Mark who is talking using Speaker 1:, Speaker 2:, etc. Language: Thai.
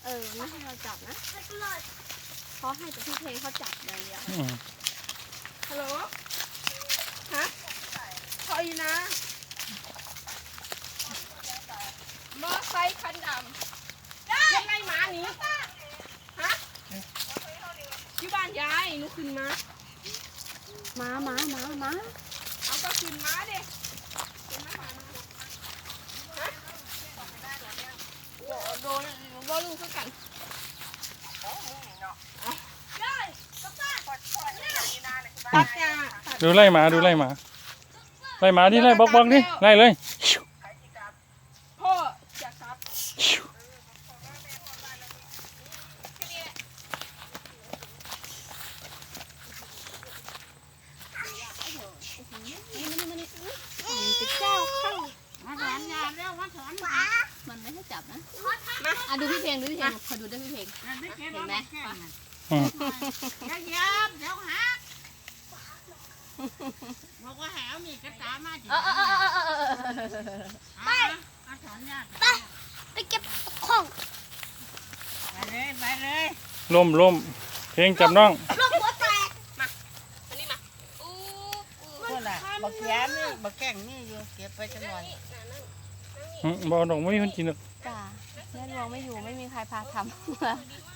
Speaker 1: ไม่ให้เราจับนะเขาให้แต่พี่เพลงเขาจับอย่างเดียวฮัลโหลฮะพออยู่นะมอไซค์คันดำยังไงหมาหนีฮะที่บ้านยายหนูขึ้นมาเอาก็ขึ้นมาดิขึ้นมาหามาฮะโดนลูกคือกัน
Speaker 2: ดูไล่หมาที่ไล่บล็อกดิไล่เลย
Speaker 1: พ่อจะครับจะเจ้าเข้า
Speaker 3: มาถอนยาแล้วมาถอนหมา
Speaker 1: มันไม่ให้จับนะมาดูพี่เพลงขอดูด้วยพี่เพลงเห็นไหม
Speaker 3: เดี๋ยวหักบอกว่าแหวมีกระตามาจิไปมาถอนยา
Speaker 4: ไปเก็บของ
Speaker 3: ไปเลย
Speaker 2: ล้มเพลงจับน้อง
Speaker 4: ลูกหัวแตก
Speaker 1: มาอันนี้มา
Speaker 3: ก็ล่ะบักแย้มนี่บักแก่งนี่อยู่เก็บไปจังหน่อย
Speaker 2: บอกดอกไม่มีคนกินหรอก
Speaker 1: จ้าแม่ลวงไม่อยู่ไม่มีใครพาทำ